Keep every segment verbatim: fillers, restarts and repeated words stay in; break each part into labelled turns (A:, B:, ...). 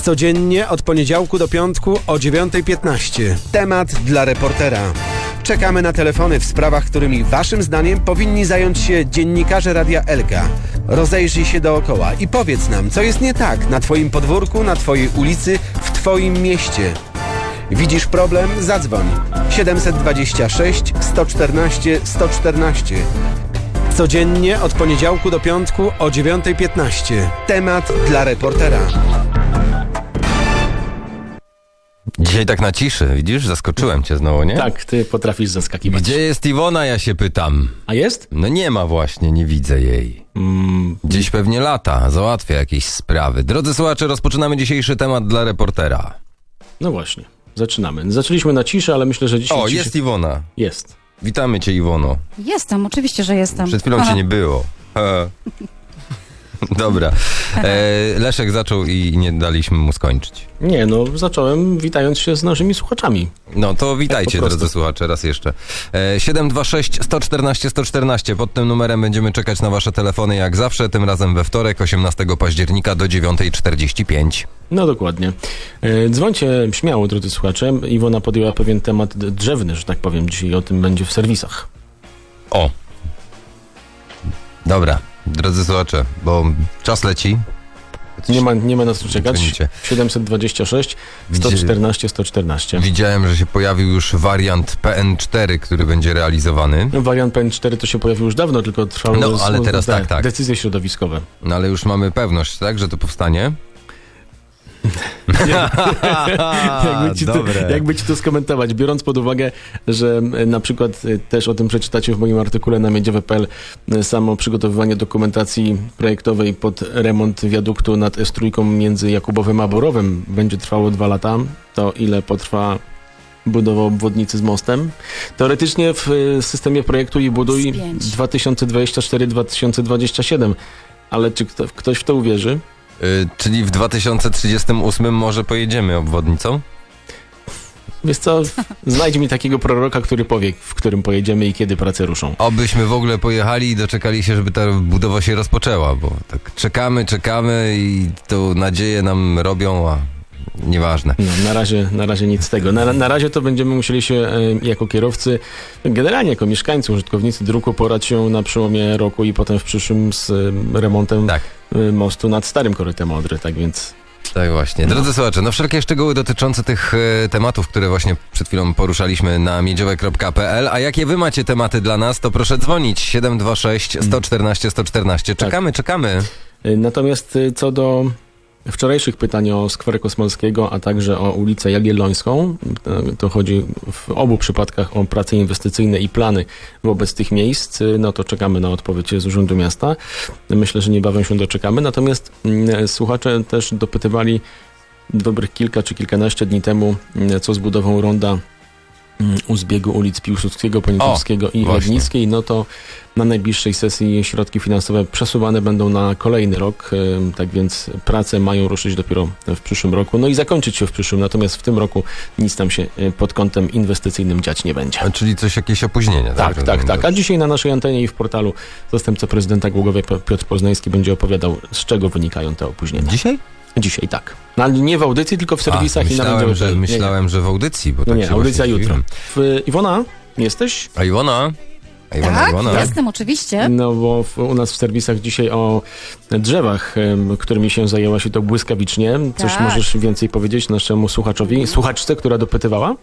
A: Codziennie od poniedziałku do piątku o dziewiąta piętnaście. Temat dla reportera. Czekamy na telefony w sprawach, którymi waszym zdaniem powinni zająć się dziennikarze Radia Elka. Rozejrzyj się dookoła i powiedz nam, co jest nie tak na twoim podwórku, na twojej ulicy, w twoim mieście. Widzisz problem? Zadzwoń. siedem dwa sześć, sto czternaście, sto czternaście. Codziennie od poniedziałku do piątku o dziewiąta piętnaście. Temat dla reportera.
B: Dzisiaj tak na ciszy, widzisz? Zaskoczyłem cię znowu, nie?
C: Tak, ty potrafisz zaskakiwać.
B: Gdzie jest Iwona, ja się pytam.
C: A jest?
B: No nie ma właśnie, nie widzę jej.
C: Mm.
B: Gdzieś pewnie lata, załatwia jakieś sprawy. Drodzy słuchacze, rozpoczynamy dzisiejszy temat dla reportera.
C: No właśnie, zaczynamy. Zaczęliśmy na ciszy, ale myślę, że dzisiaj...
B: O,
C: ciszy...
B: jest Iwona.
C: Jest.
B: Witamy cię, Iwono.
D: Jestem, oczywiście, że jestem.
B: Przed chwilą cię nie było. E. Dobra. E, Leszek zaczął i nie daliśmy mu skończyć.
C: Nie, no zacząłem witając się z naszymi słuchaczami.
B: No to witajcie,
C: tak po prostu.
B: drodzy słuchacze, raz jeszcze. E, siedem dwa sześć, sto czternaście, sto czternaście. Pod tym numerem będziemy czekać na wasze telefony jak zawsze, tym razem we wtorek, osiemnastego października do dziewiąta czterdzieści pięć.
C: No dokładnie. E, dzwońcie śmiało, drodzy słuchacze. Iwona podjęła pewien temat drzewny, że tak powiem. Dzisiaj o tym będzie w serwisach.
B: O. Dobra, drodzy słuchacze, bo czas leci.
C: Nie ma, nie ma na co czekać.
B: Dzwonicie.
C: siedem dwa sześć, sto czternaście, sto czternaście.
B: Widziałem, że się pojawił już wariant P N cztery, który będzie realizowany.
C: No, wariant P N cztery to się pojawił już dawno, tylko trwały
B: No, ale teraz
C: te
B: tak, tak.
C: decyzje środowiskowe.
B: No ale już mamy pewność, tak, że to powstanie?
C: jakby, ci to, jakby ci to skomentować, biorąc pod uwagę, że na przykład też o tym przeczytacie w moim artykule na miedziowe kropka pe el, samo przygotowywanie dokumentacji projektowej pod remont wiaduktu nad S trzy między Jakubowem a Borowem będzie trwało dwa lata, to ile potrwa budowa obwodnicy z mostem? Teoretycznie w systemie projektu i buduj dwa tysiące dwudziesty czwarty do dwa tysiące dwudziestego siódmego, ale czy kto, ktoś w to uwierzy?
B: Yy, czyli w dwa tysiące trzydziestym ósmym może pojedziemy obwodnicą?
C: Wiesz co, znajdź mi takiego proroka, który powie, w którym pojedziemy i kiedy prace ruszą.
B: Obyśmy w ogóle pojechali i doczekali się, żeby ta budowa się rozpoczęła, bo tak czekamy, czekamy i to nadzieję nam robią, a nieważne.
C: No, na razie, na razie nic z tego. Na, na razie to będziemy musieli się e, jako kierowcy, generalnie jako mieszkańcy, użytkownicy dróg uporać się na przełomie roku i potem w przyszłym z e, remontem
B: Tak.
C: e, mostu nad starym korytem Odry, tak więc...
B: Tak właśnie. Drodzy słuchacze, no wszelkie szczegóły dotyczące tych e, tematów, które właśnie przed chwilą poruszaliśmy na miedziowe kropka pe el, a jakie wy macie tematy dla nas, to proszę dzwonić siedem dwa sześć, sto czternaście, sto czternaście. Czekamy, tak. czekamy.
C: E, natomiast e, co do wczorajszych pytań o skwer Kosmalskiego, a także o ulicę Jagiellońską, to chodzi w obu przypadkach o prace inwestycyjne i plany wobec tych miejsc, no to czekamy na odpowiedź z Urzędu Miasta. Myślę, że niebawem się doczekamy. Natomiast mm, słuchacze też dopytywali dobrych kilka czy kilkanaście dni temu, co z budową ronda u zbiegu ulic Piłsudskiego, Poniatowskiego i Legnickiej, no to na najbliższej sesji środki finansowe przesuwane będą na kolejny rok, tak więc prace mają ruszyć dopiero w przyszłym roku, no i zakończyć się w przyszłym, natomiast w tym roku nic tam się pod kątem inwestycyjnym dziać nie będzie.
B: A czyli coś, jakieś opóźnienie, tak?
C: Tak, tak, tak. A dzisiaj na naszej antenie i w portalu zastępca prezydenta Głogowia Piotr Poznański będzie opowiadał, z czego wynikają te opóźnienia.
B: Dzisiaj?
C: Dzisiaj, tak. No, ale nie w audycji, tylko w serwisach. A,
B: myślałem,
C: i na będzie,
B: że, myślałem, nie, nie. że w audycji. Bo
C: no
B: tak
C: nie, audycja jutro. W, Iwona, jesteś?
B: A Iwona? A Iwona,
D: tak,
B: Iwona.
D: jestem oczywiście.
C: No bo w, u nas w serwisach dzisiaj o drzewach, którymi się zajęłaś i to błyskawicznie. Coś
D: tak.
C: możesz więcej powiedzieć naszemu słuchaczowi, słuchaczce, która dopytywała?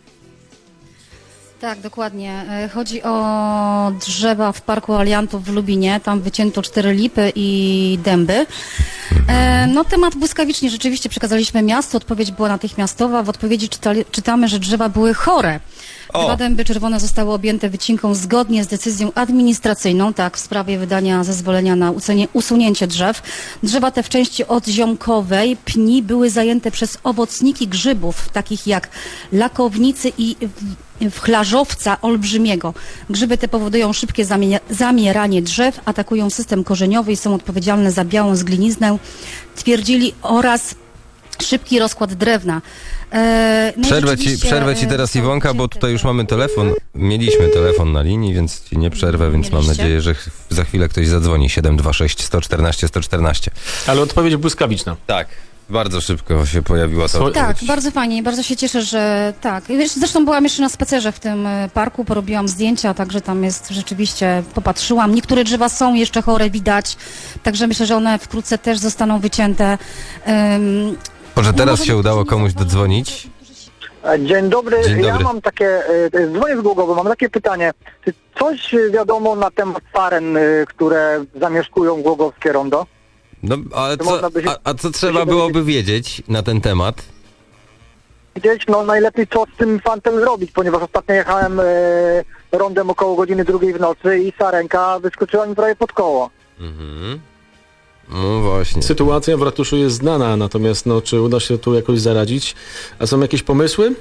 D: Tak, dokładnie. Chodzi o drzewa w Parku Aliantów w Lubinie. Tam wycięto cztery lipy i dęby. E, no temat błyskawicznie rzeczywiście przekazaliśmy miastu. Odpowiedź była natychmiastowa. W odpowiedzi czytali, czytamy, że drzewa były chore. Dwa dęby czerwone zostały objęte wycinką zgodnie z decyzją administracyjną, tak, w sprawie wydania zezwolenia na usunie, usunięcie drzew. Drzewa te w części odziomkowej pni były zajęte przez owocniki grzybów, takich jak lakownicy i wchlarzowca olbrzymiego. Grzyby te powodują szybkie zamieranie drzew, atakują system korzeniowy i są odpowiedzialne za białą zgliniznę, twierdzili, oraz szybki rozkład drewna. E, no
B: przerwę, ci, przerwę ci teraz, Iwonka, bo tutaj już mamy telefon. Mieliśmy telefon na linii, więc ci nie przerwę, więc mam nadzieję, że za chwilę ktoś zadzwoni. siedem dwa sześć, sto czternaście, sto czternaście.
C: Ale odpowiedź błyskawiczna.
B: Tak. Bardzo szybko się pojawiła ta
C: Swo-
B: odpowiedź.
D: Tak, bardzo fajnie i bardzo się cieszę, że tak. Wiesz, zresztą byłam jeszcze na spacerze w tym e, parku, porobiłam zdjęcia, także tam jest rzeczywiście, popatrzyłam. Niektóre drzewa są jeszcze chore, widać, także myślę, że one wkrótce też zostaną wycięte. Um,
B: Może teraz
D: może
B: się udało
D: niektórzy
B: komuś
D: zauważą-
B: dodzwonić?
E: Dzień dobry.
B: Dzień
E: Ja
B: dobry.
E: mam takie, e, dzwonię z Głogowa, mam takie pytanie. Czy coś wiadomo na temat saren, e, które zamieszkują Głogowskie Rondo?
B: No, ale
E: To
B: co,
E: można by się-
B: a, a co trzeba byłoby wiedzieć na ten temat?
E: Gdzieś, no najlepiej co z tym fantem zrobić, ponieważ ostatnio jechałem e, rondem około godziny drugiej w nocy i sarenka wyskoczyła mi prawie pod koło.
B: Mhm. No właśnie.
C: Sytuacja w ratuszu jest znana, natomiast no, czy uda się tu jakoś zaradzić? A są jakieś pomysły?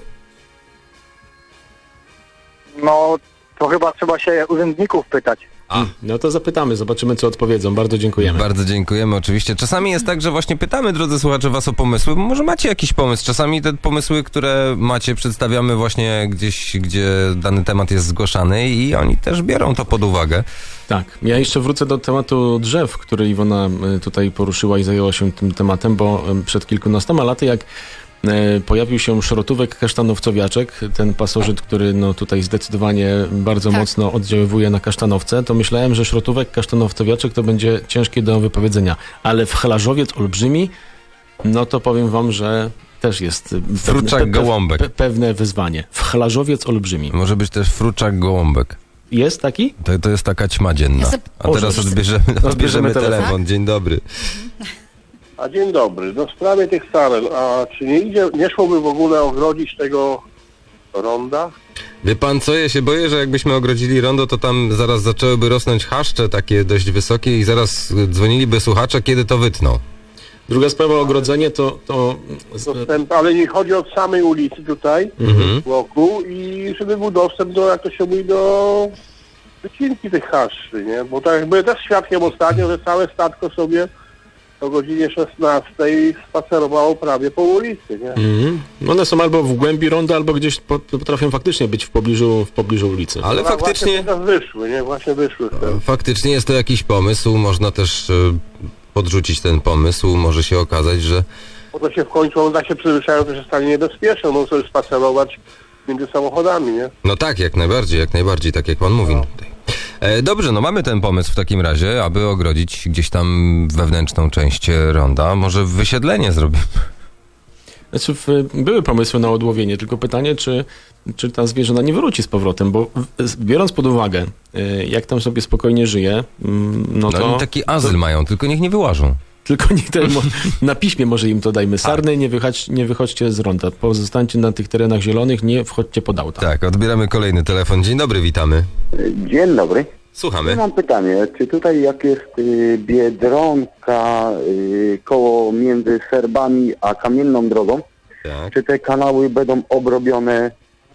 E: No to chyba trzeba się urzędników pytać.
B: A.
C: No to zapytamy, zobaczymy co odpowiedzą. Bardzo dziękujemy.
B: Bardzo dziękujemy oczywiście. Czasami jest tak, że właśnie pytamy, drodzy słuchacze, was o pomysły, bo może macie jakiś pomysł. Czasami te pomysły, które macie, przedstawiamy właśnie gdzieś, gdzie dany temat jest zgłaszany i oni też biorą to pod uwagę.
C: Tak, ja jeszcze wrócę do tematu drzew, który Iwona y, tutaj poruszyła i zajęła się tym tematem, bo y, przed kilkunastoma laty, jak y, pojawił się szrotówek kasztanowcowiaczek, ten pasożyt, który no, tutaj zdecydowanie bardzo
D: Tak.
C: mocno oddziaływuje na kasztanowce, to myślałem, że szrotówek kasztanowcowiaczek to będzie ciężkie do wypowiedzenia, ale wchlarzowiec olbrzymi, no to powiem wam, że też jest y, pewne,
B: Fruczak gołąbek.
C: pe, pewne wyzwanie. Wchlarzowiec olbrzymi.
B: Może być też fruczak gołąbek.
C: Jest taki?
B: To, to jest taka ćma dzienna.
D: Ja se-
B: A teraz
C: Boże,
B: odbierzemy, odbierzemy
C: telefon.
B: telefon. Dzień dobry.
F: A dzień dobry. No w sprawie tych saren, a czy nie idzie, nie szłoby w ogóle ogrodzić tego ronda?
B: Wie pan co, ja się boję, że jakbyśmy ogrodzili rondo, to tam zaraz zaczęłyby rosnąć chaszcze takie dość wysokie i zaraz dzwoniliby słuchacze, kiedy to wytną.
C: Druga sprawa, ogrodzenie to... to
F: Dostęp, ale nie chodzi od samej ulicy tutaj,
B: Mhm.
F: wokół i żeby był dostęp do, jak to się mówi, do wycinki tych haszczy, nie? Bo tak jak byłem też świadkiem ostatnio, że całe statko sobie o godzinie szesnastej spacerowało prawie po ulicy, nie?
C: Mhm. One są albo w głębi ronda, albo gdzieś po, potrafią faktycznie być w pobliżu, w pobliżu ulicy.
B: Ale
F: No,
B: faktycznie,
F: Właśnie teraz wyszły, nie? Właśnie wyszły. Teraz.
B: faktycznie jest to jakiś pomysł, można też e, podrzucić ten pomysł, może się okazać, że
F: Bo to się w końcu, on tak się przyzwyczają, że się stanie niebezpieczne, no sobie spacerować między samochodami, nie?
B: no tak, jak najbardziej, jak najbardziej, tak jak pan mówi tutaj. E, dobrze, no mamy ten pomysł w takim razie, aby ogrodzić gdzieś tam wewnętrzną część ronda. Może wysiedlenie zrobimy.
C: Znaczy, w, były pomysły na odłowienie, tylko pytanie, czy, czy ta zwierzyna nie wróci z powrotem, bo w, biorąc pod uwagę, y, jak tam sobie spokojnie żyje, mm, no
B: No
C: to...
B: oni taki azyl mają, tylko niech nie wyłażą.
C: Tylko nie ten, mo- na piśmie może im to dajmy. Sarny, nie, wychodź, nie wychodźcie z ronda. Pozostańcie na tych terenach zielonych, nie wchodźcie pod auta.
B: Tak, odbieramy kolejny telefon. Dzień dobry, witamy.
G: Dzień dobry.
B: Słuchamy.
G: Ja mam pytanie, czy tutaj jak jest y, Biedronka y, koło między Serbami a Kamienną Drogą,
B: Tak.
G: czy te kanały będą obrobione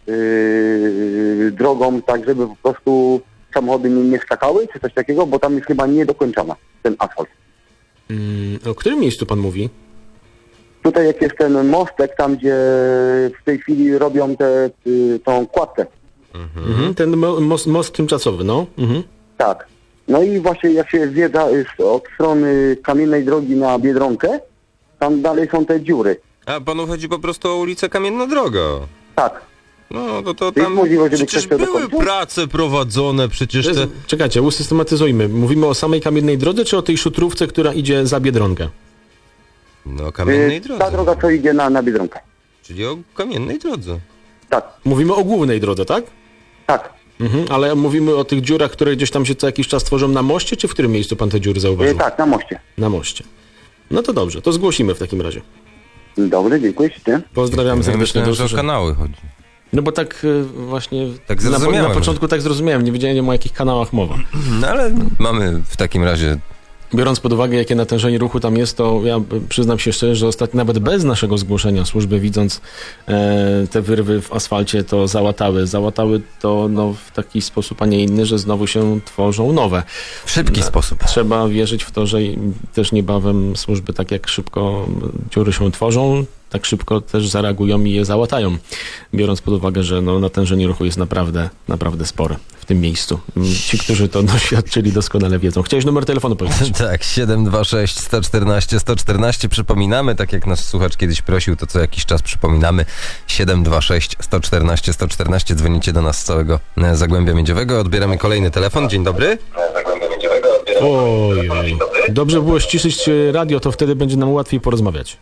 G: y, drogą tak, żeby po prostu samochody nie, nie skakały, czy coś takiego, bo tam jest chyba niedokończona ten asfalt.
C: Mm, o którym miejscu pan mówi?
G: Tutaj jak jest ten mostek, tam gdzie w tej chwili robią te, y, tą kładkę.
C: Mhm. Ten mo- most, most tymczasowy, no. Mhm.
G: Tak. No i właśnie jak się zwiedza y, od strony Kamiennej Drogi na Biedronkę, tam dalej są te dziury.
B: A panu chodzi po prostu o ulicę Kamienna Droga.
G: Tak.
B: No, to, to
G: Jest
B: tam
G: możliwość, żeby
B: przecież
G: ktoś to
B: były
G: dokończył?
B: prace prowadzone, przecież te...
C: Czekajcie, usystematyzujmy. Mówimy o samej Kamiennej Drodze, czy o tej szutrówce, która idzie za Biedronkę?
B: No, Kamiennej
G: Y,
B: Drodze.
G: Ta droga, co idzie na, na Biedronkę.
B: Czyli o Kamiennej Drodze.
G: Tak,
C: Mówimy o głównej drodze, tak?
G: tak.
C: Mhm. Ale mówimy o tych dziurach, które gdzieś tam się co jakiś czas tworzą na moście, czy w którym miejscu pan te dziury
G: Y,
C: zauważył?
G: tak, na moście.
C: Na moście. No to dobrze, to zgłosimy w takim razie.
G: Dobry, dziękuję ślicznie.
C: Pozdrawiam
B: Ja
C: serdecznie.
B: myślałem,
C: Do
B: że o
C: usłyszenia.
B: kanały chodzi.
C: No bo tak y, właśnie
B: Tak
C: na, po-
B: zrozumiałem,
C: na
B: że-
C: początku tak zrozumiałem, nie wiedziałem o jakich kanałach mowa.
B: No ale mamy w takim razie...
C: Biorąc pod uwagę, jakie natężenie ruchu tam jest, to ja y, przyznam się szczerze, że ostatnio nawet bez naszego zgłoszenia służby, widząc e, te wyrwy w asfalcie, to załatały. Załatały to no, w taki sposób, a nie inny, że znowu się tworzą nowe.
B: W szybki sposób.
C: Trzeba wierzyć w to, że i też niebawem służby tak jak szybko dziury się tworzą, tak szybko też zareagują i je załatają, biorąc pod uwagę, że no, natężenie ruchu jest naprawdę, naprawdę spore w tym miejscu. Ci, którzy to doświadczyli, doskonale wiedzą. Chciałeś numer telefonu powiedzieć?
B: Tak, siedem dwa sześć sto czternaście sto czternaście. Przypominamy, tak jak nasz słuchacz kiedyś prosił, to co jakiś czas przypominamy. siedem dwa sześć sto czternaście sto czternaście. Dzwonicie do nas z całego e, Zagłębia Miedziowego. Odbieramy kolejny telefon. Dzień dobry. Zagłębia Miedziowego.
C: Oj, oj. Dobrze było ściszyć radio, to wtedy będzie nam łatwiej porozmawiać.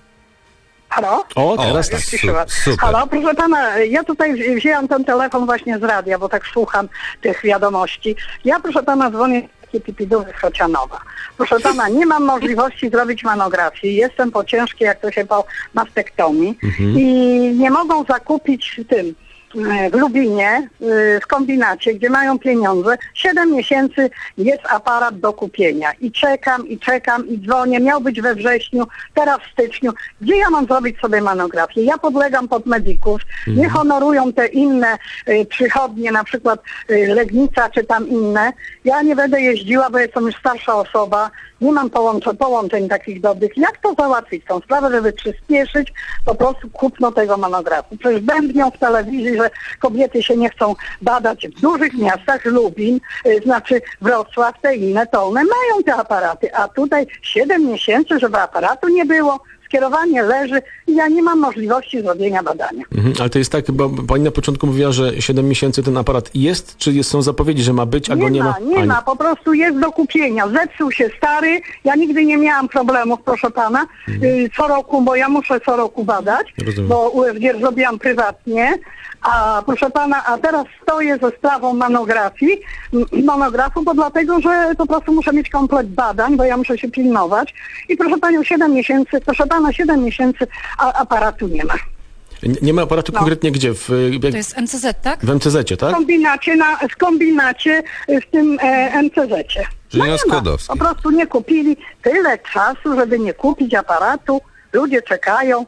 H: Halo?
C: O, teraz
B: O,
C: tak.
H: Ciszyła.
B: super.
H: Halo, proszę pana, ja tutaj wzi- wzięłam ten telefon właśnie z radia, bo tak słucham tych wiadomości. Ja, proszę pana, dzwonię z takiej Pipidowy z Chocianowa. Proszę pana, nie mam możliwości zrobić mamografii. Jestem po ciężkiej, jak to się po mastektomii i nie mogą zakupić w tym w Lubinie, w kombinacie, gdzie mają pieniądze. Siedem miesięcy jest aparat do kupienia. I czekam, i czekam, i dzwonię. Miał być we wrześniu, teraz w styczniu. Gdzie ja mam zrobić sobie manografię? Ja podlegam pod medyków. Nie honorują te inne y, przychodnie, na przykład y, Legnica, czy tam inne. Ja nie będę jeździła, bo jestem już starsza osoba. Nie mam połączeń, połączeń takich dobrych. Jak to załatwić tą sprawę, żeby przyspieszyć po prostu kupno tego monografu? Przecież bębnią w telewizji, że kobiety się nie chcą badać w dużych miastach, Lubin, y, znaczy Wrocław, te inne Tolne, mają te aparaty, a tutaj siedem miesięcy, żeby aparatu nie było, skierowanie leży i ja nie mam możliwości zrobienia badania.
C: Mhm, ale to jest tak, bo pani na początku mówiła, że siedem miesięcy ten aparat jest, czy jest, są zapowiedzi, że ma być, a
H: Nie
C: go nie
H: ma,
C: ma?
H: nie
C: A,
H: ma, po prostu jest do kupienia. Zepsuł się stary, ja nigdy nie miałam problemów, proszę pana, y, co roku, bo ja muszę co roku badać,
C: Rozumiem.
H: bo U F G zrobiłam prywatnie, a proszę pana, a teraz stoję ze sprawą monografii, m- monografu, bo dlatego, że po prostu muszę mieć komplet badań, bo ja muszę się pilnować i proszę panią, siedem miesięcy, proszę pana, siedem miesięcy, a aparatu nie ma.
C: Nie, nie ma aparatu
H: No.
C: konkretnie gdzie? W, jak,
D: To jest M C Z, tak?
C: w M C Z-cie,
H: W
C: tak?
H: kombinacie, na, w kombinacie y, w tym e, M C Z-cie.
B: Czyli na
H: nie ma.
B: Skłodowskiej.
H: Po prostu nie kupili tyle czasu, żeby nie kupić aparatu. Ludzie czekają.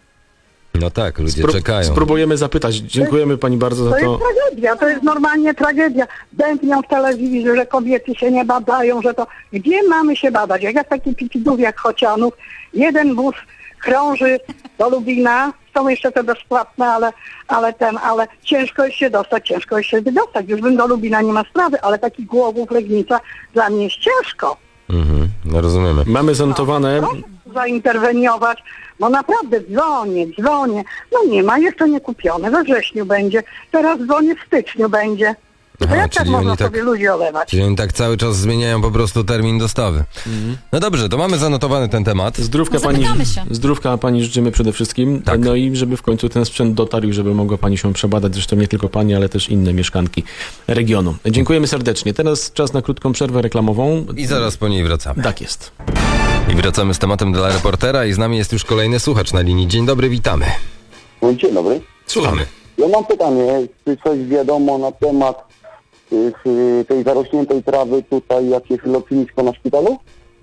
B: No tak, ludzie
C: Spró-
B: czekają.
C: Spróbujemy zapytać. Dziękujemy pani bardzo za
H: To
C: to.
H: jest tragedia, to jest normalnie tragedia. Bębnią w telewizji, że kobiety się nie badają, że to... Gdzie mamy się badać? Jak ja w takich pipidów jak Chocianów, jeden wóz krąży do Lubina, są jeszcze te bezpłatne, ale, ale ten, ale ciężko jest się dostać, ciężko jest się wydostać. Już bym do Lubina nie ma sprawy, ale taki Głogów, Legnica dla mnie jest ciężko.
B: Mhm, no rozumiemy.
C: Mamy zanotowane.
H: Proszę zainterweniować, bo naprawdę dzwonię, dzwonię. No nie ma, jeszcze nie kupione, we wrześniu będzie, teraz dzwonię w styczniu będzie. To
B: Aha,
H: jak tak
B: czyli
H: można
B: oni tak-
H: sobie ludzi olewać?
B: Czyli oni tak cały czas zmieniają po prostu termin dostawy. No dobrze, to mamy zanotowany ten temat.
C: Zdrówka
D: No,
C: pani,
D: zapytamy się.
C: zdrówka pani życzymy przede wszystkim.
B: Tak.
C: No i żeby w końcu ten sprzęt dotarł i żeby mogła pani się przebadać. Zresztą nie tylko pani, ale też inne mieszkanki regionu. Dziękujemy serdecznie. Teraz czas na krótką przerwę reklamową.
B: I zaraz po niej wracamy.
C: Tak jest.
B: I wracamy z tematem dla reportera i z nami jest już kolejny słuchacz na linii. Dzień dobry, witamy.
G: No, dzień dobry.
B: Słuchamy.
G: Ja mam pytanie, czy coś wiadomo na temat y, y, tej zarośniętej trawy tutaj, jak jest lotnisko na szpitalu?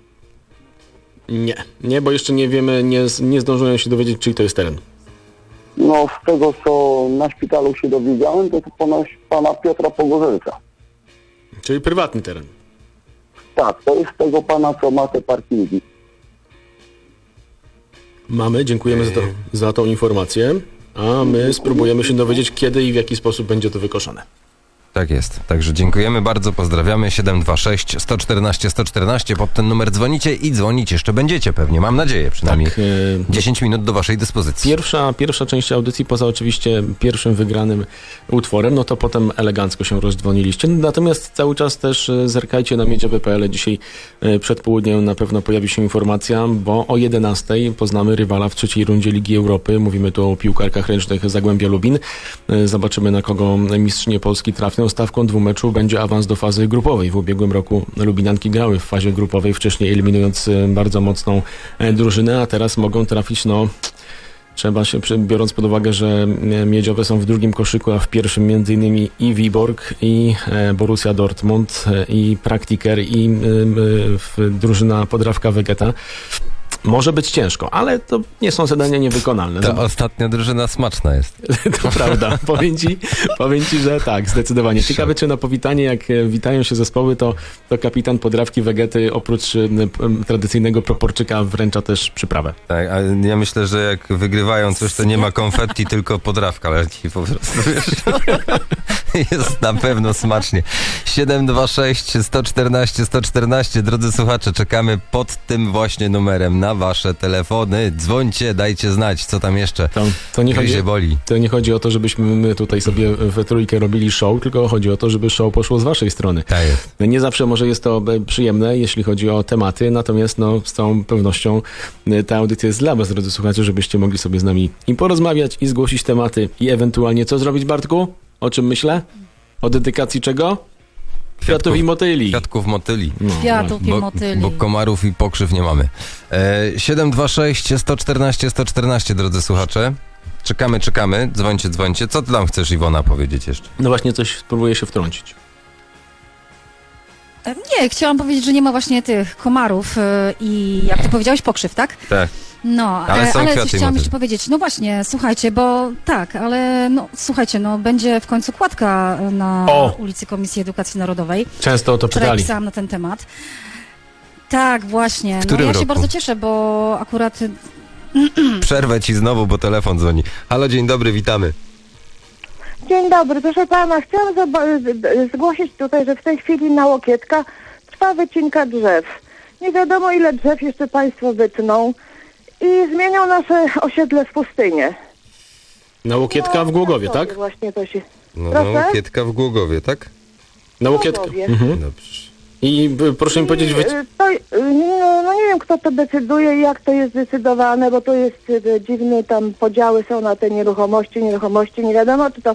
C: Nie, nie, bo jeszcze nie wiemy, nie, nie zdążyłem się dowiedzieć, czyj to jest teren.
G: No z tego, co na szpitalu się dowiedziałem, to to ponoć pana Piotra Pogorzelca.
C: Czyli prywatny teren.
G: Tak, to jest tego pana, co ma te parkingi.
C: Mamy, dziękujemy za, to, za tą informację. A my spróbujemy się dowiedzieć, kiedy i w jaki sposób będzie to wykoszone.
B: Tak jest. Także dziękujemy bardzo, pozdrawiamy. siedem dwa sześć sto czternaście sto czternaście. Pod ten numer dzwonicie i dzwonić jeszcze będziecie pewnie. Mam nadzieję przynajmniej.
C: Tak, e,
B: dziesięć minut do waszej dyspozycji.
C: Pierwsza, pierwsza część audycji, poza oczywiście pierwszym wygranym utworem, no to potem elegancko się rozdzwoniliście. Natomiast cały czas też e, zerkajcie na miedziowe kropka p l. Dzisiaj e, przed południem na pewno pojawi się informacja, bo o jedenastej poznamy rywala w trzeciej rundzie Ligi Europy. Mówimy tu o piłkarkach ręcznych Zagłębia Lubin. E, Zobaczymy, na kogo mistrzynie Polski trafią. Stawką dwumeczu będzie awans do fazy grupowej. W ubiegłym roku Lubinianki grały w fazie grupowej, wcześniej eliminując e, bardzo mocną e, drużynę, a teraz mogą trafić, no... Trzeba się, przy- biorąc pod uwagę, że e, miedziowe są w drugim koszyku, a w pierwszym między innymi i Wiborg, i e, Borussia Dortmund, e, i Praktiker, i e, e, w- drużyna Podrawka Wegeta. Może być ciężko, ale to nie są zadania niewykonalne.
B: Ta
C: Zobacz,
B: ostatnia drużyna smaczna jest.
C: to prawda. Powiem ci, powiem ci, że tak, zdecydowanie. Ciekawe, czy na powitanie, jak e, witają się zespoły, to, to kapitan Podrawki Wegety oprócz e, p- tradycyjnego proporczyka wręcza też przyprawę.
B: Tak, a ja myślę, że jak wygrywają coś, to nie ma konfetti, tylko podrawka leci po prostu, wiesz. Jest na pewno smacznie. siedem dwa sześć, sto czternaście, sto czternaście. Drodzy słuchacze, czekamy pod tym właśnie numerem na wasze telefony. Dzwońcie, dajcie znać, co tam jeszcze
C: To, to, nie chodzi,
B: gryzie boli.
C: to nie chodzi o to, żebyśmy my tutaj sobie we trójkę robili show, tylko chodzi o to, żeby show poszło z waszej strony.
B: Tak jest.
C: Nie zawsze może jest to e, przyjemne, jeśli chodzi o tematy, natomiast no, z całą pewnością e, ta audycja jest dla was, drodzy słuchacze, żebyście mogli sobie z nami i porozmawiać, i zgłosić tematy, i ewentualnie co zrobić, Bartku? O czym myślę? O dedykacji czego? Kwiatów i motyli.
B: Kwiatków motyli.
C: No,
D: Kwiatów i
B: Bo,
D: motyli.
B: bo komarów i pokrzyw nie mamy. E, siedem dwa sześć, sto czternaście, sto czternaście, drodzy słuchacze. Czekamy, czekamy. Dzwońcie, dzwońcie. Co ty tam chcesz, Iwona, powiedzieć jeszcze?
C: no właśnie coś spróbuję się wtrącić.
D: E, Nie, chciałam powiedzieć, że nie ma właśnie tych komarów e, i jak ty powiedziałeś, pokrzyw, tak?
B: Tak.
D: No,
B: Ale
D: ale,
B: są
D: ale
B: kwiaty
D: coś
B: i
D: chciałam
B: motyl.
D: jeszcze powiedzieć. No właśnie, słuchajcie, bo tak, ale no słuchajcie, no będzie w końcu kładka na
C: O!
D: ulicy Komisji Edukacji Narodowej.
C: Często o to
D: Wczoraj
C: pytali.
D: pisałam na ten temat. Tak, właśnie.
B: W którym
D: no ja
B: roku?
D: się bardzo cieszę, bo akurat
B: Przerwę ci znowu, bo telefon dzwoni. Halo, dzień dobry, witamy.
I: Dzień dobry, proszę pana, chciałam zoba- z- z- zgłosić tutaj, że w tej chwili na Łokietka trwa wycinka drzew. Nie wiadomo, ile drzew jeszcze państwo wytną i zmienią nasze osiedle w pustynię.
C: Na Łokietka w Głogowie, tak?
I: Właśnie to się...
B: No,
I: Proszę?
B: no, Kietka w Głogowie, tak?
C: Na Łokietka.
I: Głogowie.
C: Mhm.
B: Dobrze.
C: I y, proszę mi powiedzieć,
I: I,
C: wy...
I: y, to, y, no, no nie wiem, kto to decyduje i jak to jest zdecydowane, bo to jest y, dziwne, tam podziały są na te nieruchomości, nieruchomości, nie wiadomo, czy to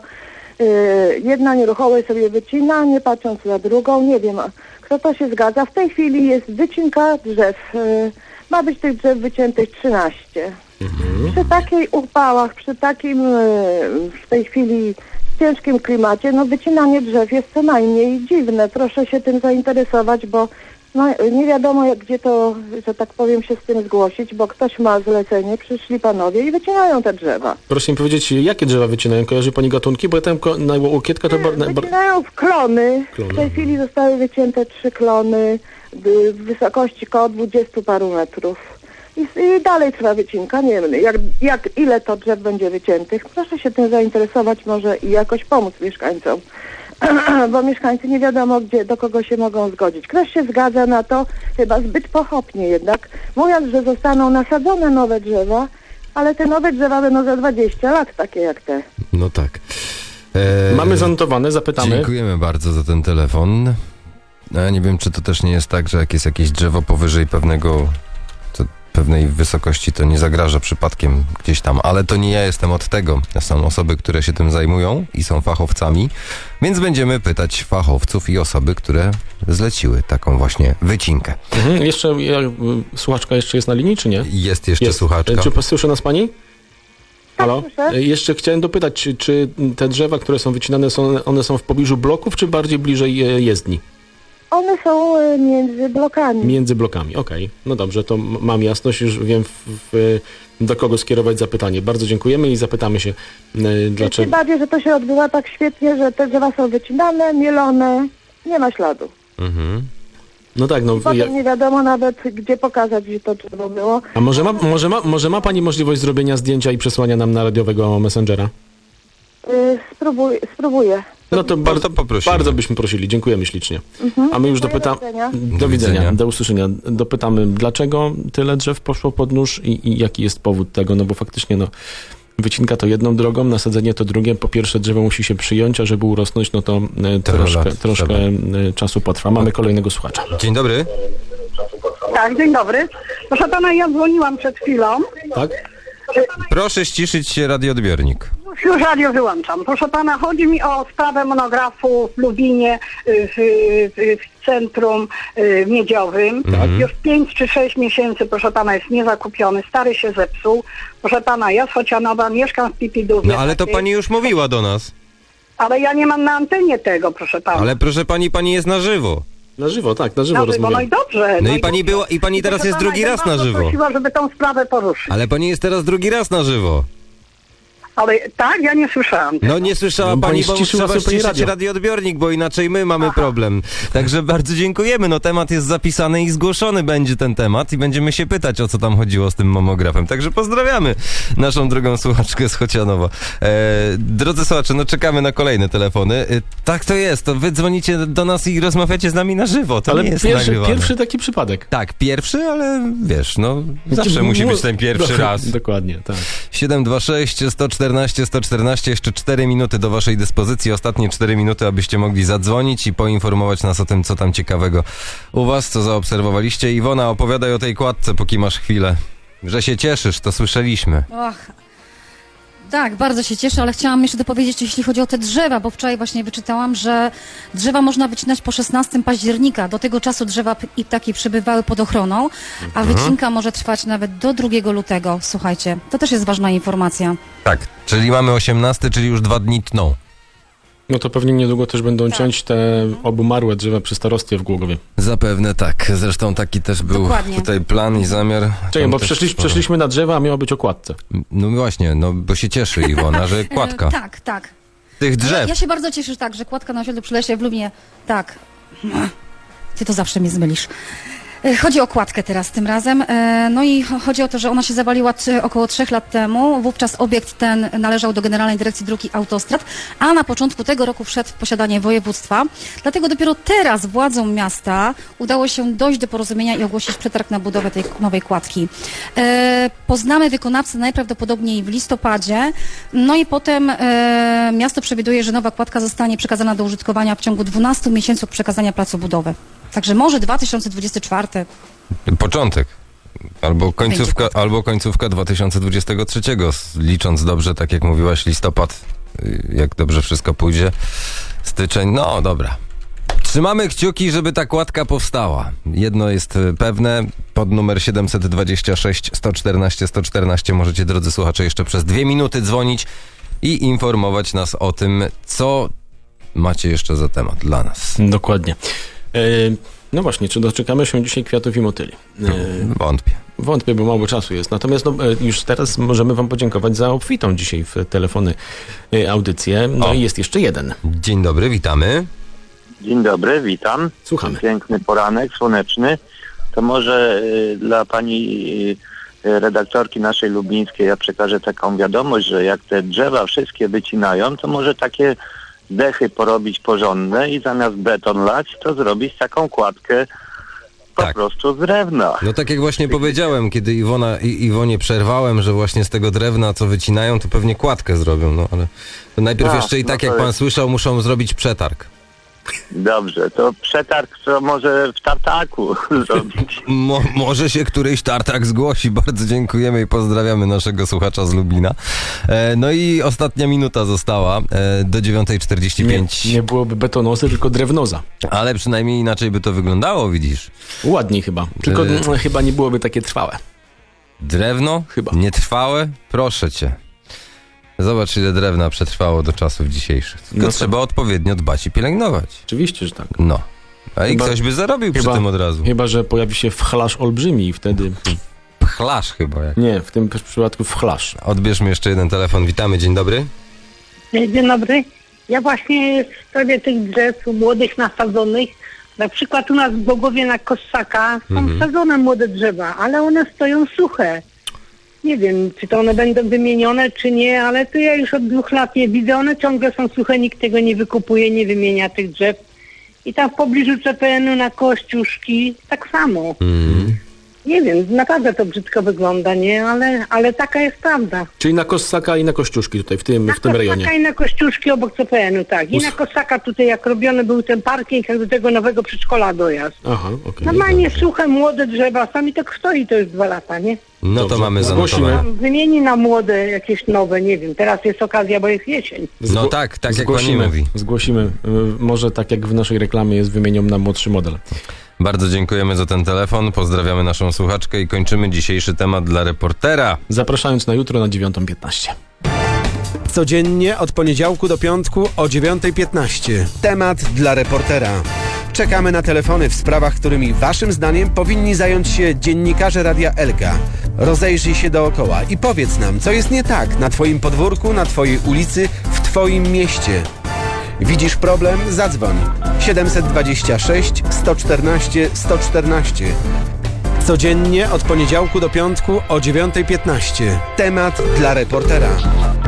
I: y, jedna nieruchomość sobie wycina, nie patrząc na drugą, nie wiem, a kto to się zgadza. W tej chwili jest wycinka drzew, y, ma być tych drzew wyciętych trzynaście. Przy takich upałach, przy takim y, w tej chwili ciężkim klimacie, no wycinanie drzew jest co najmniej dziwne. Proszę się tym zainteresować, bo no, nie wiadomo jak, gdzie to, że tak powiem, się z tym zgłosić, bo ktoś ma zlecenie, przyszli panowie i wycinają te drzewa.
C: proszę mi powiedzieć, jakie drzewa wycinają? Kojarzy pani gatunki? Bo ja tam ko- na Łokietka to... Bar- na, bar-
I: Wycinają w klony.
C: Klony.
I: W tej chwili zostały wycięte trzy klony y, w wysokości koło dwudziestu paru metrów. I, I dalej trwa wycinka, nie wiem, jak, jak ile to drzew będzie wyciętych. Proszę się tym zainteresować może i jakoś pomóc mieszkańcom. Bo mieszkańcy nie wiadomo, gdzie, do kogo się mogą zgodzić. Ktoś się zgadza na to, chyba zbyt pochopnie jednak, mówiąc, że zostaną nasadzone nowe drzewa, ale te nowe drzewa będą za dwadzieścia lat, takie jak te.
B: No tak. E,
C: Mamy zanotowane, zapytamy.
B: Dziękujemy bardzo za ten telefon. No, ja nie wiem, czy to też nie jest tak, że jak jest jakieś drzewo powyżej pewnego, to pewnej wysokości, to nie zagraża przypadkiem gdzieś tam, ale to nie ja jestem od tego. Są osoby, które się tym zajmują i są fachowcami, więc będziemy pytać fachowców i osoby, które zleciły taką właśnie wycinkę.
C: Mhm. Jeszcze, ja, y, słuchaczka jeszcze jest na linii, czy nie?
B: Jest jeszcze
C: Jest.
B: słuchaczka.
C: Czy słyszy nas pani? Halo?
I: słyszę.
C: Y, Jeszcze chciałem dopytać, czy, czy te drzewa, które są wycinane, są, one są w pobliżu bloków, czy bardziej bliżej y, jezdni?
I: One są y, między blokami.
C: Między blokami, okej. No dobrze, to m- mam jasność, już wiem w, w, do kogo skierować zapytanie. Bardzo dziękujemy i zapytamy się, y,
I: Tym
C: dlaczego...
I: bardziej, że to się odbywa tak świetnie, że te drzewa są wycinane, mielone, nie ma śladu.
B: Mhm.
C: No tak, no...
I: Potem
C: Ja,
I: nie wiadomo nawet, gdzie pokazać, gdzie to drzewo było.
C: a może ma, może, ma, może ma pani możliwość zrobienia zdjęcia i przesłania nam na radiowego Messengera?
I: Y, spróbuj, spróbuję.
C: No to bardzo,
B: to poprosimy.
C: bardzo byśmy prosili. Dziękujemy ślicznie. A my już
I: Dziękuję,
C: dopytamy...
I: do widzenia.
C: Do widzenia,
B: widzenia.
C: do usłyszenia. Dopytamy, dlaczego tyle drzew poszło pod nóż i, i jaki jest powód tego, no bo faktycznie no, wycinka to jedną drogą, nasadzenie to drugie. Po pierwsze drzewo musi się przyjąć, a żeby urosnąć, no to e, troszkę,
B: lat
C: troszkę e, czasu potrwa. Mamy kolejnego słuchacza.
B: Dzień dobry.
H: Tak, dzień dobry. Proszę pana, ja dzwoniłam przed chwilą.
C: Tak?
B: Proszę ściszyć się radioodbiornik.
H: Już radio wyłączam. Proszę pana, chodzi mi o sprawę monografu w Lubinie, y, w, w, w centrum y, miedziowym. Już pięć czy sześć miesięcy, proszę pana, jest niezakupiony, stary się zepsuł. Proszę pana, ja z Chocianowa mieszkam w Pipidówie.
B: No ale to pani już mówiła do nas.
H: Ale ja nie mam na antenie tego, proszę pana.
B: Ale proszę pani, pani jest na żywo.
C: Na żywo, tak, na żywo
H: Na żywo,
C: rozmawiamy.
H: no i dobrze.
B: No i pani była, i pani teraz
H: proszę
B: jest
H: pana,
B: drugi
H: ja
B: raz na
H: bardzo
B: żywo.
H: prosiła, żeby tą sprawę poruszyć.
B: Ale pani jest teraz drugi raz na żywo.
H: Ale tak, ja nie słyszałam.
B: No nie słyszała
C: No,
B: pani,
C: pani
B: bo
C: ściszyła
B: trzeba
C: sobie pani
B: ściszyć
C: radio.
B: radioodbiornik, bo inaczej my mamy problem. Także bardzo dziękujemy. No temat jest zapisany i zgłoszony będzie ten temat i będziemy się pytać, o co tam chodziło z tym mamografem. Także pozdrawiamy naszą drugą słuchaczkę z Chocianowa. E, drodzy słuchacze, no czekamy na kolejne telefony. E, tak to jest, to wy dzwonicie do nas i rozmawiacie z nami na żywo. To
C: Ale
B: nie jest
C: pierwszy,
B: nagrywane.
C: pierwszy taki przypadek.
B: Tak, pierwszy, ale wiesz, no zawsze musi być ten pierwszy raz.
C: Dokładnie, tak.
B: siedem dwa sześć, sto czternaście, sto czternaście, jeszcze cztery minuty do waszej dyspozycji, ostatnie cztery minuty, abyście mogli zadzwonić i poinformować nas o tym, co tam ciekawego u was, co zaobserwowaliście. Iwona, opowiadaj o tej kładce, póki masz chwilę. Że się cieszysz, to słyszeliśmy.
D: Och. Tak, bardzo się cieszę, ale chciałam jeszcze dopowiedzieć, jeśli chodzi o te drzewa, bo wczoraj właśnie wyczytałam, że drzewa można wycinać po szesnastego października. Do tego czasu drzewa p- i ptaki przebywały pod ochroną, a wycinka może trwać nawet do drugiego lutego. Słuchajcie, to też jest ważna informacja.
B: Tak, czyli mamy osiemnasty, czyli już dwa dni tną.
C: No to pewnie niedługo też będą ciąć te obumarłe drzewa przy starostwie w Głogowie.
B: Zapewne tak, zresztą taki też był
D: Dokładnie.
B: tutaj plan i zamiar.
C: Czekaj,
B: Tam
C: bo
B: też
C: przeszliśmy,
B: sporo.
C: przeszliśmy na drzewa, a miało być o kładce.
B: No właśnie, no bo się cieszy Iwona, że kładka
D: E, tak, tak.
B: tych
D: Ja,
B: drzew.
D: ja się bardzo cieszę, tak, że kładka na osiedlu przy lesie w Lublinie, tak. Ty to zawsze mnie zmylisz. E, Chodzi o kładkę teraz tym razem. E, No i cho- chodzi o to, że ona się zawaliła t- około trzech lat temu. Wówczas obiekt ten należał do Generalnej Dyrekcji Dróg i Autostrad, a na początku tego roku wszedł w posiadanie województwa. Dlatego dopiero teraz władzom miasta udało się dojść do porozumienia i ogłosić przetarg na budowę tej nowej kładki. E, Poznamy wykonawcę najprawdopodobniej w listopadzie. No i potem e, miasto przewiduje, że nowa kładka zostanie przekazana do użytkowania w ciągu dwunastu miesięcy od przekazania placu budowy. Także może dwa tysiące dwudziesty czwarty.
B: Początek. Albo końcówka,
D: kładka.
B: albo końcówka dwa tysiące dwudziestego trzeciego, s- licząc dobrze, tak jak mówiłaś, listopad, y, jak dobrze wszystko pójdzie, styczeń, no dobra. Trzymamy kciuki, żeby ta kładka powstała. Jedno jest y, pewne, pod numer siedem dwa sześć, sto czternaście, sto czternaście możecie, drodzy słuchacze, jeszcze przez dwie minuty dzwonić i informować nas o tym, co macie jeszcze za temat dla nas.
C: Dokładnie. E, No właśnie, czy doczekamy się dzisiaj kwiatów i motyli? E,
B: Wątpię.
C: Wątpię, bo mało czasu jest. Natomiast no, e, już teraz możemy wam podziękować za obfitą dzisiaj w telefony e, audycję. No
B: O.
C: i jest jeszcze jeden.
B: Dzień dobry, witamy.
J: Dzień dobry, witam.
C: Słuchamy.
J: Piękny poranek, słoneczny. To może y, dla pani y, redaktorki naszej lublińskiej ja przekażę taką wiadomość, że jak te drzewa wszystkie wycinają, to może takie dechy porobić porządne i zamiast beton lać, to zrobić taką kładkę po
B: Tak.
J: prostu z drewna.
B: No tak jak właśnie powiedziałem, kiedy Iwona, I, Iwonie przerwałem, że właśnie z tego drewna, co wycinają, to pewnie kładkę zrobią, no ale to najpierw
J: A,
B: jeszcze i
J: no
B: tak,
J: to
B: jak pan
J: jest-
B: słyszał, muszą zrobić przetarg.
J: Dobrze, to przetarg to może w tartaku zrobić.
B: Mo, może się któryś tartak zgłosi. Bardzo dziękujemy i pozdrawiamy naszego słuchacza z Lublina. E, no i ostatnia minuta została e, do dziewiątej czterdzieści
C: Nie,
B: pięć.
C: nie byłoby betonosy, tylko drewnoza.
B: Ale przynajmniej inaczej by to wyglądało, widzisz.
C: Ładniej chyba. Tylko
B: E.
C: mm, chyba nie byłoby takie trwałe.
B: Drewno?
C: Chyba.
B: Nietrwałe? Proszę cię. Zobacz, ile drewna przetrwało do czasów dzisiejszych. Tylko
C: No to-
B: trzeba odpowiednio dbać i pielęgnować.
C: Oczywiście, że tak.
B: No. A i
C: Chyba-
B: ktoś by zarobił przy
C: chyba-
B: tym od razu.
C: Chyba, że pojawi się wchlarz olbrzymi i wtedy...
B: Pchlasz chyba. Jak.
C: Nie, w tym przypadku wchlarz.
B: Odbierzmy jeszcze jeden telefon. Witamy, dzień dobry.
K: Dzień dobry. Ja właśnie w sprawie tych drzew młodych nasadzonych, na przykład u nas w Bogowie na Kossaka są
B: Mhm.
K: sadzone młode drzewa, ale one stoją suche. Nie wiem, czy to one będą wymienione, czy nie, ale to ja już od dwóch lat je widzę. One ciągle są suche, nikt tego nie wykupuje, nie wymienia tych drzew. I tam w pobliżu C P N u na Kościuszki tak samo.
B: Mm.
K: Nie wiem, naprawdę to brzydko wygląda, nie? Ale, ale taka jest prawda.
C: Czyli na Kossaka i na Kościuszki tutaj, w tym,
K: Na
C: w tym rejonie.
K: Kossaka i na Kościuszki obok C P N u, tak. I
C: Us-
K: na Kossaka tutaj jak robiony był ten parking, jak do tego nowego przedszkola dojazd.
C: Aha, okej.
K: Normalnie suche, młode drzewa, sami tak stoi, to już dwa lata, nie?
B: No to
C: Dobrze,
B: mamy
C: zgłosimy.
B: zanotowane.
K: Tam wymieni na młode jakieś nowe, nie wiem, teraz jest okazja, bo jest jesień.
B: No tak, tak jak pani
C: Zgłosimy,
B: mówi.
C: zgłosimy. Y, Może tak jak w naszej reklamie jest, wymienią nam młodszy model.
B: Bardzo dziękujemy za ten telefon, pozdrawiamy naszą słuchaczkę i kończymy dzisiejszy temat dla reportera.
C: Zapraszając na jutro na dziewiątą piętnaście.
A: Codziennie od poniedziałku do piątku o dziewiątej piętnaście. Temat dla reportera. Czekamy na telefony w sprawach, którymi waszym zdaniem powinni zająć się dziennikarze Radia Elka. Rozejrzyj się dookoła i powiedz nam, co jest nie tak na twoim podwórku, na twojej ulicy, w twoim mieście. Widzisz problem? Zadzwoń. siedem dwa sześć, sto czternaście, sto czternaście. Codziennie od poniedziałku do piątku o dziewiąta piętnaście. Temat dla reportera.